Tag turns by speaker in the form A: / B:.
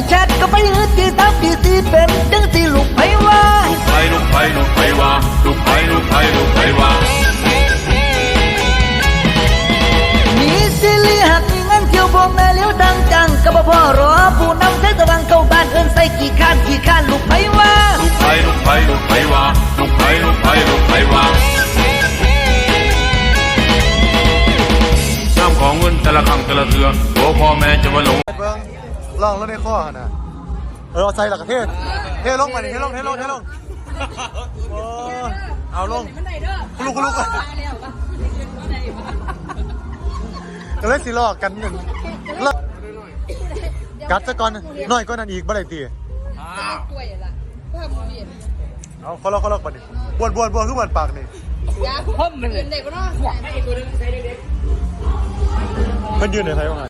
A: แชทก็ไปหื้อตีตามตีสีเป็นจังสีลูกไผว่า
B: ลูกไผว่าลูกไผว่าลูกไผว่า
A: มีสิลิหักมีเงินเที่ยวบ่แม่เลี้ยวดังจังก็บ่พอรอผู้นำแสงสว่างเข้าบ้านเอิ้นใส่กี่ข้านลูกไผว่า
B: ลูกไผว่าลูกไผว่าน้ำของเงินแต่ละครั้งแต่ละเทือโอ้พ่อแม่จะมาหลง
C: เบิ้งลองรถในข้อนะเอาใส่หลักเทลงมาดิเทลงเอาลงคุณลูกก็เลยสิลอกกันหนึ่งกัดซะก่อนน้อยก็นั่นอีกบ่ได้ตีเอาเขาลอกมาดิบวนขึ้นบนปากนี่มันยืนในไทยว่าไง